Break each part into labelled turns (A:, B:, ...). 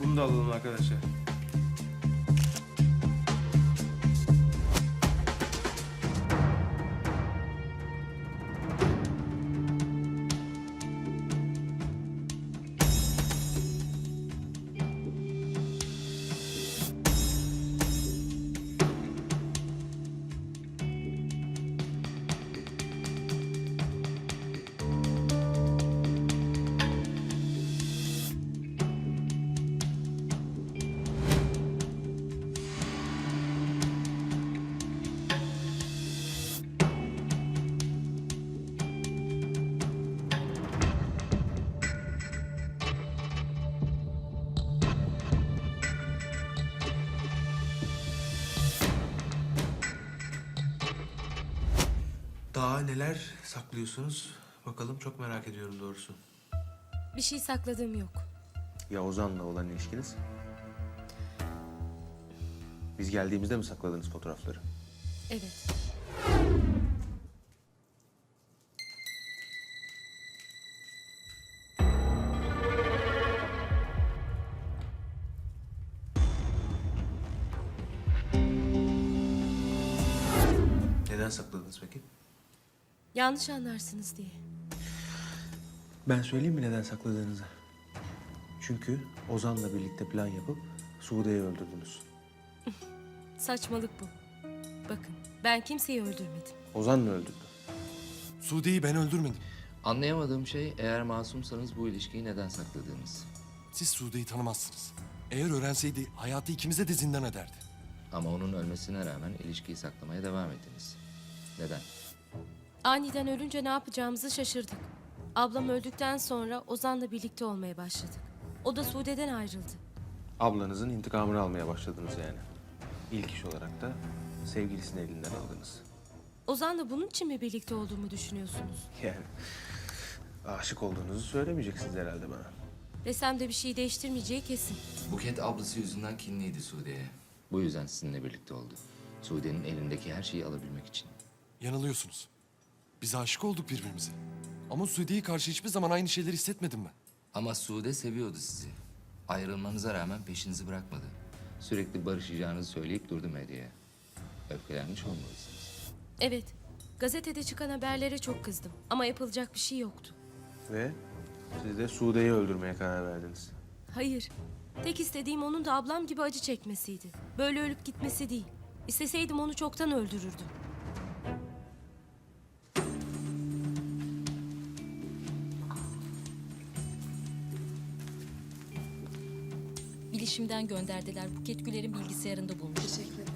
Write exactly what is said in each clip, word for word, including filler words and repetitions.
A: Bunu da alalım arkadaşlar. Daha neler saklıyorsunuz? Bakalım, çok merak ediyorum doğrusu.
B: Bir şey sakladığım yok.
A: Ya Ozan'la olan ilişkiniz? Biz geldiğimizde mi sakladınız fotoğrafları?
B: Evet.
A: Neden sakladınız peki?
B: Yanlış anlarsınız diye.
A: Ben söyleyeyim mi neden sakladığınızı? Çünkü Ozan'la birlikte plan yapıp Sude'yi öldürdünüz.
B: Saçmalık bu. Bakın, ben kimseyi öldürmedim.
A: Ozan mı öldürdü?
C: Sude'yi ben öldürmedim.
D: Anlayamadığım şey eğer masumsanız bu ilişkiyi neden sakladığınız.
C: Siz Sude'yi tanımazsınız. Eğer öğrenseydi hayatı ikimize de zindan ederdi.
D: Ama onun ölmesine rağmen ilişkiyi saklamaya devam ettiniz. Neden?
B: Aniden ölünce ne yapacağımızı şaşırdık. Ablam öldükten sonra Ozan'la birlikte olmaya başladık. O da Sude'den ayrıldı.
A: Ablanızın intikamını almaya başladınız yani. İlk iş olarak da sevgilisini elinden aldınız.
B: Ozan'la bunun için mi birlikte olduğumu düşünüyorsunuz?
A: Yani aşık olduğunuzu söylemeyeceksiniz herhalde bana.
B: Desem de bir şey değiştirmeyeceği kesin.
D: Buket ablası yüzünden kinliydi Sude'ye. Bu yüzden sizinle birlikte oldu. Sude'nin elindeki her şeyi alabilmek için.
C: Yanılıyorsunuz. Biz aşık olduk birbirimize. Ama Sude'ye karşı hiçbir zaman aynı şeyleri hissetmedim ben.
D: Ama Sude seviyordu sizi. Ayrılmanıza rağmen peşinizi bırakmadı. Sürekli barışacağınızı söyleyip durdu medyaya. Öfkelenmiş olmalısınız.
B: Evet, gazetede çıkan haberlere çok kızdım. Ama yapılacak bir şey yoktu.
A: Ve siz de Sude'yi öldürmeye karar verdiniz.
B: Hayır, tek istediğim onun da ablam gibi acı çekmesiydi. Böyle ölüp gitmesi değil. İsteseydim onu çoktan öldürürdüm.
E: Bilişimden gönderdiler. Buket Güler'in bilgisayarında bulmuş. Teşekkür ederim.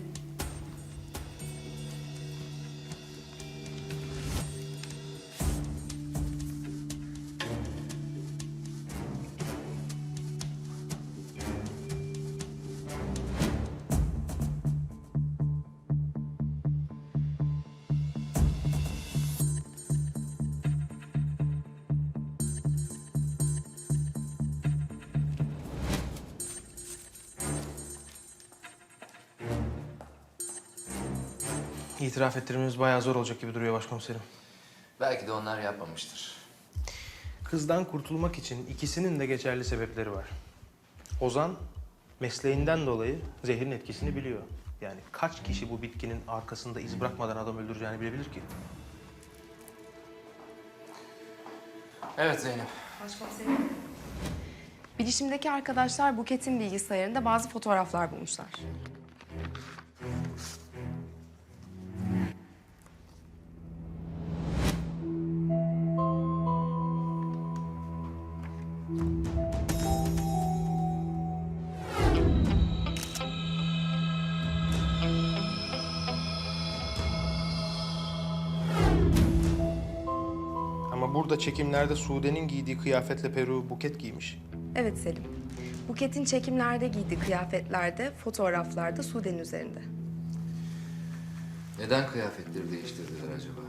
A: İtiraf ettirmemiz bayağı zor olacak gibi duruyor başkomiserim.
D: Belki de onlar yapmamıştır.
A: Kızdan kurtulmak için ikisinin de geçerli sebepleri var. Ozan mesleğinden dolayı zehrin etkisini biliyor. Yani kaç kişi bu bitkinin arkasında iz bırakmadan adam öldüreceğini bilebilir ki?
D: Evet Zeynep.
F: Başkomiserim. Bilişimdeki arkadaşlar Buket'in bilgisayarında bazı fotoğraflar bulmuşlar.
A: Ama burada çekimlerde Sude'nin giydiği kıyafetle Peru Buket giymiş.
F: Evet Selim. Buket'in çekimlerde giydiği kıyafetlerde, fotoğraflarda Sude'nin üzerinde.
D: Neden kıyafetleri değiştirdiler acaba?